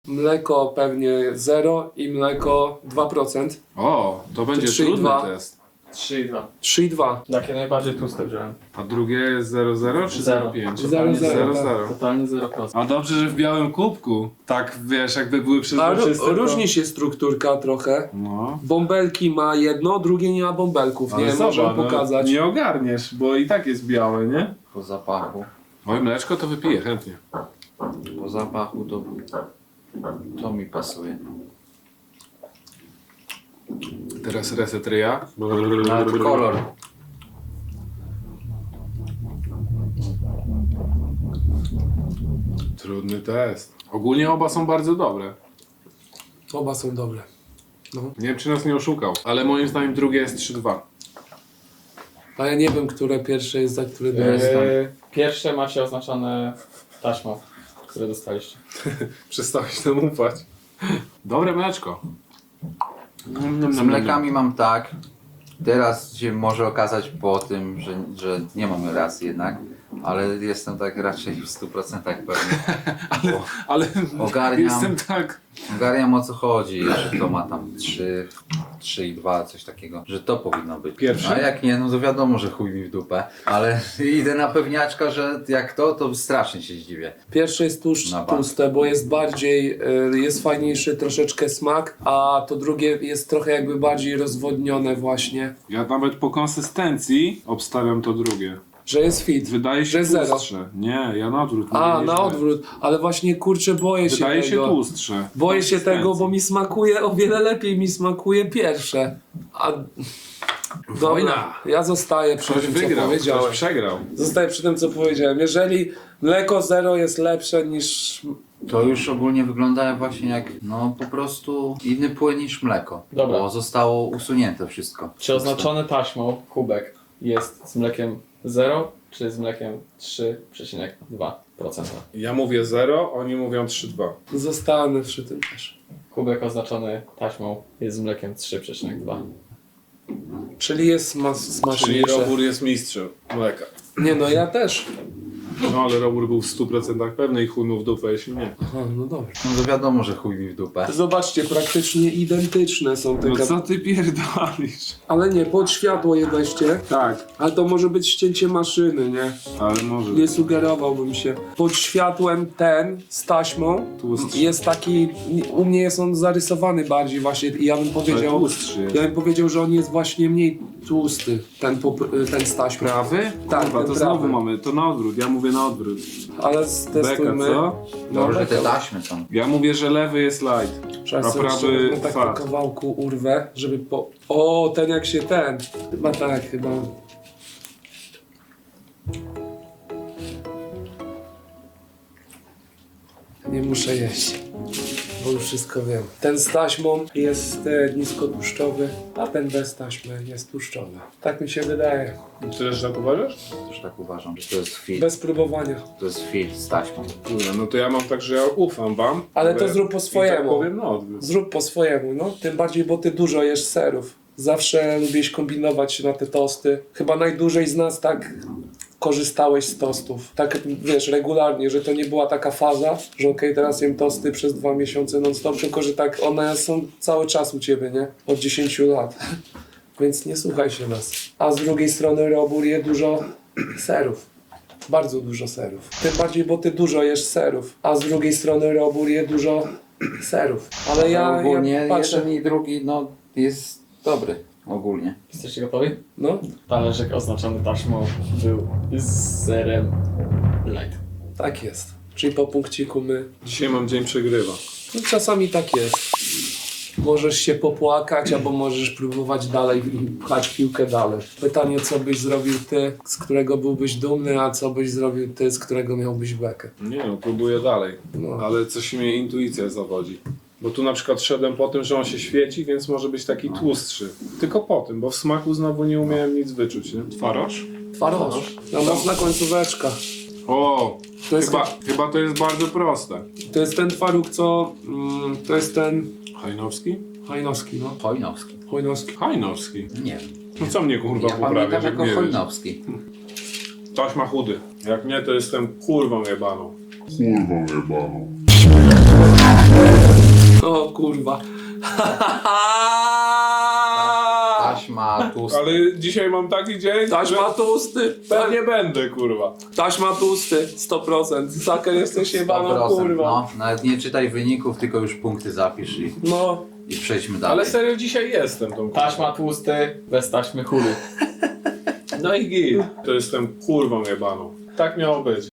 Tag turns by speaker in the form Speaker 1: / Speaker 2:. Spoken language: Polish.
Speaker 1: Mleko pewnie 0 i mleko 2%.
Speaker 2: O, to będzie
Speaker 1: 3 i
Speaker 2: trudny
Speaker 1: 2.
Speaker 2: test.
Speaker 3: 3,2.
Speaker 1: 3,2.
Speaker 3: Takie najbardziej tłuste wziąłem.
Speaker 2: A drugie jest 0,0 czy 0,5?
Speaker 1: 0,0.
Speaker 2: 0,0.
Speaker 3: Totalnie 0%.
Speaker 2: A dobrze, że w białym kubku. Tak, wiesz, jakby były
Speaker 1: A
Speaker 2: przezroczyste, to...
Speaker 1: różni się strukturka trochę.
Speaker 2: No.
Speaker 1: Bąbelki ma jedno, drugie nie ma bąbelków. Nie,
Speaker 2: Ale
Speaker 1: możemy
Speaker 2: zobacz,
Speaker 1: pokazać.
Speaker 2: nie ogarniesz, bo i tak jest białe, nie?
Speaker 4: Po zapachu.
Speaker 2: Oj, mleczko to wypiję chętnie.
Speaker 4: Po zapachu to mi pasuje.
Speaker 2: Teraz reset ryja.
Speaker 4: Nawet kolor.
Speaker 2: Trudny test. Ogólnie oba są bardzo dobre.
Speaker 1: Oba są dobre. No.
Speaker 2: Nie wiem, czy nas nie oszukał, ale moim zdaniem drugie jest 3-2.
Speaker 1: A ja nie wiem, które pierwsze jest za które drugie.
Speaker 3: Pierwsze macie oznaczone taśmą, które dostaliście.
Speaker 2: Przestałeś nam ufać. Dobre mleczko.
Speaker 4: Z mlekami mam tak. Teraz się może okazać po tym, że nie mamy racji jednak, ale jestem tak raczej w 100% pewny.
Speaker 2: Ale
Speaker 4: Ogarniam.
Speaker 2: jestem tak...
Speaker 4: Ogarniam o co chodzi, że to ma tam 3,2, coś takiego, że to powinno być.
Speaker 2: Pierwsze?
Speaker 4: A jak nie, no to wiadomo, że chuj mi w dupę, ale idę na pewniaczka, że jak to strasznie się zdziwię.
Speaker 1: Pierwsze jest
Speaker 4: Na bank.
Speaker 1: tłuste, bo jest bardziej, jest fajniejszy troszeczkę smak, a to drugie jest trochę jakby bardziej rozwodnione właśnie.
Speaker 2: Ja nawet po konsystencji obstawiam to drugie.
Speaker 1: Że jest fit.
Speaker 2: Wydaje
Speaker 1: że
Speaker 2: się
Speaker 1: jest zero.
Speaker 2: tłustsze. Nie, ja na odwrót.
Speaker 1: A,
Speaker 2: mówię,
Speaker 1: na
Speaker 2: źle.
Speaker 1: odwrót. Ale właśnie kurczę, boję się
Speaker 2: Wydaje się
Speaker 1: tego.
Speaker 2: tłustsze.
Speaker 1: Boję się tego, bo
Speaker 2: Konsystencji.
Speaker 1: mi smakuje, o wiele lepiej mi smakuje pierwsze. A... Dobra,
Speaker 2: Wojna.
Speaker 1: ja zostaję przy
Speaker 2: Ktoś
Speaker 1: tym, co
Speaker 2: wygrał,
Speaker 1: powiedziałem.
Speaker 2: ktoś przegrał.
Speaker 1: Zostaję przy tym, co powiedziałem. Jeżeli mleko 0 jest lepsze niż...
Speaker 4: To już ogólnie wygląda właśnie jak no po prostu inny płyn niż mleko.
Speaker 3: Dobra.
Speaker 4: Bo zostało usunięte wszystko.
Speaker 3: Czy oznaczony taśmą kubek jest z mlekiem 0 czy z mlekiem 3,2%?
Speaker 2: Ja mówię 0, oni mówią 3,2.
Speaker 1: Zostanę przy tym też.
Speaker 3: Kubek oznaczony taśmą jest z mlekiem 3,2.
Speaker 1: Czyli jest
Speaker 2: Czyli
Speaker 1: smaczniejsze.
Speaker 2: Robur jest mistrzem mleka.
Speaker 1: Nie no, ja też.
Speaker 2: No ale Robur był w 100% pewny i chunął w dupę, jeśli nie.
Speaker 1: Aha, no dobra.
Speaker 4: No to wiadomo, że chuj mi w dupę.
Speaker 1: Zobaczcie, praktycznie identyczne są te
Speaker 2: No co ty pierdolisz?
Speaker 1: Ale nie, pod światło je weźcie.
Speaker 2: Tak,
Speaker 1: Ale to może być ścięcie maszyny, nie?
Speaker 2: ale może.
Speaker 1: Nie sugerowałbym się. Pod światłem ten z taśmą
Speaker 2: Tłustszy.
Speaker 1: jest taki, u mnie jest on zarysowany bardziej właśnie i ja bym
Speaker 2: Ale
Speaker 1: powiedział,
Speaker 2: tłustszy jest.
Speaker 1: ja bym powiedział, że on jest właśnie mniej tłusty, ten z taśmą.
Speaker 2: Prawy?
Speaker 1: Tak,
Speaker 2: Kurwa,
Speaker 1: ten
Speaker 2: to
Speaker 1: prawy.
Speaker 2: znowu mamy, to na odwrót, ja mówię na odwrót.
Speaker 1: Ale
Speaker 2: Beka,
Speaker 1: stestujmy.
Speaker 2: co?
Speaker 4: Dobrze, że te
Speaker 1: beka.
Speaker 4: taśmy są.
Speaker 2: Ja mówię, że lewy jest light,
Speaker 1: Trzeba
Speaker 2: a
Speaker 1: sobie
Speaker 2: prawy
Speaker 1: jeszcze tak po
Speaker 2: fat.
Speaker 1: kawałku urwę, żeby po... O, ten jak się ten. Chyba tak, chyba. Nie muszę jeść, bo już wszystko wiem. Ten z taśmą jest niskotłuszczowy, a ten bez taśmy jest tłuszczowy. Tak mi się wydaje.
Speaker 2: Ty też tak uważasz?
Speaker 4: Też tak uważam, że to jest film.
Speaker 1: Bez próbowania.
Speaker 4: To jest film z taśmą.
Speaker 2: Kurwa, no to ja mam tak, że ja ufam wam.
Speaker 1: Ale to zrób po
Speaker 2: I tak
Speaker 1: swojemu.
Speaker 2: powiem na odwrót.
Speaker 1: Zrób po swojemu, no. Tym bardziej, bo ty dużo jesz serów. Zawsze lubiłeś kombinować na te tosty. Chyba najdłużej z nas tak korzystałeś z tostów. Tak, wiesz, regularnie, że to nie była taka faza, że okej, teraz jem tosty przez 2 miesiące non-stop, tylko że tak one są cały czas u ciebie, nie? Od 10 lat. Więc nie słuchaj się nas. A z drugiej strony Robur je dużo serów. Bardzo dużo serów. Tym bardziej, bo ty dużo jesz serów. A z drugiej strony Robur je dużo serów. Ale ja
Speaker 4: ogólnie
Speaker 1: patrzę...
Speaker 4: jeden i drugi no jest dobry. Ogólnie.
Speaker 3: Jesteście gotowi?
Speaker 1: No,
Speaker 3: Talerzyk oznaczony taśmą był z zerem light.
Speaker 1: tak jest. Czyli po punkciku my...
Speaker 2: Dzisiaj mam dzień przegrywa.
Speaker 1: No, czasami tak jest. Możesz się popłakać, albo możesz próbować dalej i pchać piłkę dalej. Pytanie, co byś zrobił ty, z którego byłbyś dumny, a co byś zrobił ty, z którego miałbyś bekę.
Speaker 2: Nie no, próbuję dalej.
Speaker 1: No.
Speaker 2: Ale coś mnie intuicja zawodzi. Bo tu na przykład szedłem po tym, że on się świeci, więc może być taki tłustszy. Tylko po tym, bo w smaku znowu nie umiałem nic wyczuć, nie? Twaroż?
Speaker 1: Twaroż. No, mocna końcóweczka.
Speaker 2: O!
Speaker 1: To jest,
Speaker 2: Chyba to jest bardzo proste.
Speaker 1: to jest ten twaróg, co... to jest ten...
Speaker 2: Hajnowski?
Speaker 1: Hajnowski, no.
Speaker 4: Chojnowski.
Speaker 1: Hojnowski.
Speaker 2: Hajnowski.
Speaker 4: Nie.
Speaker 2: No co mnie kurwa
Speaker 4: Ja
Speaker 2: poprawiasz,
Speaker 4: pamiętam
Speaker 2: jak
Speaker 4: jako
Speaker 2: nie wiesz?
Speaker 4: Chojnowski.
Speaker 2: Taśma chudy. Jak nie, to jestem kurwą jebaną.
Speaker 5: Kurwa jebaną.
Speaker 1: kurwa.
Speaker 4: Taśma tłusta.
Speaker 2: Ale dzisiaj mam taki dzień,
Speaker 1: Taśma
Speaker 2: że
Speaker 1: tłusty.
Speaker 2: pewnie będę, kurwa.
Speaker 1: Taśma tłusty. 100%. Saker jesteś jebaną
Speaker 4: 100%,
Speaker 1: kurwa.
Speaker 4: no. Nawet nie czytaj wyników, tylko już punkty zapisz
Speaker 1: No.
Speaker 4: i przejdźmy dalej.
Speaker 2: Ale serio dzisiaj jestem tą
Speaker 3: Taśma tłusty, bez taśmy chudy.
Speaker 2: No i git. To jestem kurwą jebaną. Tak miało być.